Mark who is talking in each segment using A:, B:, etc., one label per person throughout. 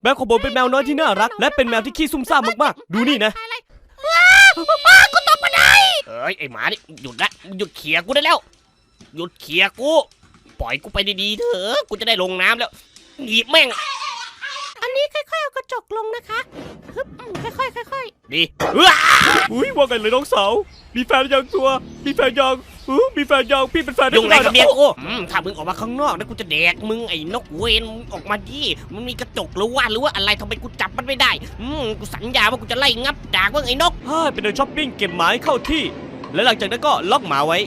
A: แมวของผมเป็นแมวน้อยที่น่ารักและเป็นแมวที่ขี้ซุ่มซ่ามมากๆดูนี่นะ
B: กูตกบันไดเอ้ยไอหมานี่หยุดละหยุดเขี่ยกูได้แล้วหยุดเขี่ยกูปล่อยกูไปดีๆเถอะกูจะได้ลงน้ำแล้วหนีบแม่ง
C: อันนี้ค่อยๆเอากระจกลงนะคะฮึบค่อยๆ
B: ดี
A: อุ้ยว่าไงเลยน้องสาวมีแฟนยังตัวมีแฟนยังมีแฟนยังพี่เป็นแฟน
B: ยุ่งอะไรกับเมียกูถ้ามึงออกมาข้างนอกนะกูจะแดกมึงไอ้นกเวนออกมาดิมันมีกระจกหรือว่าอะไรทำไมกูจับมันไม่ได้กูสัญญาว่ากูจะไล่งับดากมึงไอ้นก
A: เป็นเดินช้อปปิ้งเก็บหมาให้เข้าที่และหลังจากนั้นก็ล็อกหมาไว้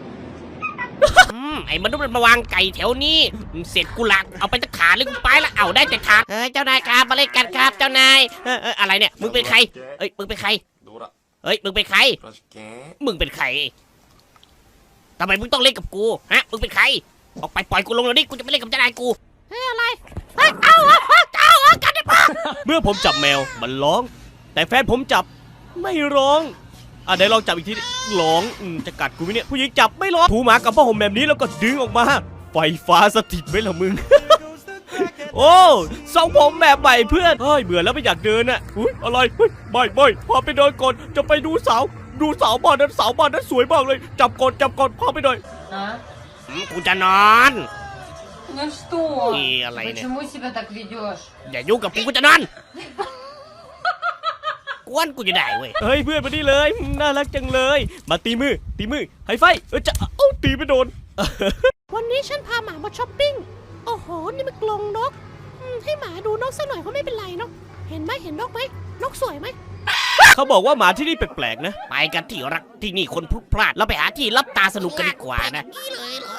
B: ไอ้มนุษย์มันมาวางไก่แถวนี้เสร็จกูหลักเอาไปตะขาเลยกูไปละเอาได้แต่ขาเจ้านายครับมาเล่นกันครับเจ้านายอะไรเนี่ยมึงเป็นใครมึงเป็นใครมึงเป็นใครมึงเป็นใครทำไมมึงต้องเล่นกับกูฮะมึงเป็นใครออกไปปล่อยกูลงเลยดิกูจะไม่เล่นกับเจ้านายกู
C: อะไรเอากันได้ปะ
A: เมื่อผมจับแมวมันร้องแต่แฟนผมจับไม่ร้องไหนลองจับอีกทีร้องจะกัดกูไหมเนี่ยผู้หญิงจับไม่ร้องถูหมากับผ้าห่มแบบนี้แล้วก็ดึงออกมาไฟฟ้าสถิตไหมล่ะมึง โอ้ทรงผมแบบใหม่เพื่อนเบื่อแล้วไม่อยากเดินอ่ะอะไรไม่พาไปเดินก่อนจะไปดูสาวบ้านนั้นสวยมากเลยจับก่อนพาไปหน่อย
B: กูจะนอน
D: Ну что? Почему себя так ведешь?
B: อย่ายุ่งกับกูจะนอนกวนกูจะได้เว้ย
A: เฮ้ยเพื่อนมานี่เลยน่ารักจังเลยมาตีมือไฮไฟจะตีไม่โดน
C: วันนี้ฉันพาหมามาช้อปปิ้งโอ้โหนี่มันกรงนกให้หมาดูนกสักหน่อยก็ไม่เป็นไรเนาะเห็นนกไหมนกสวยไหม
A: เขาบอกว่าหมาที่นี่แปลกๆนะ
B: ไปกันที่รักที่นี่คนพลุกพล่านเราไปหาที่รับตาสนุกกันดีกว่านะ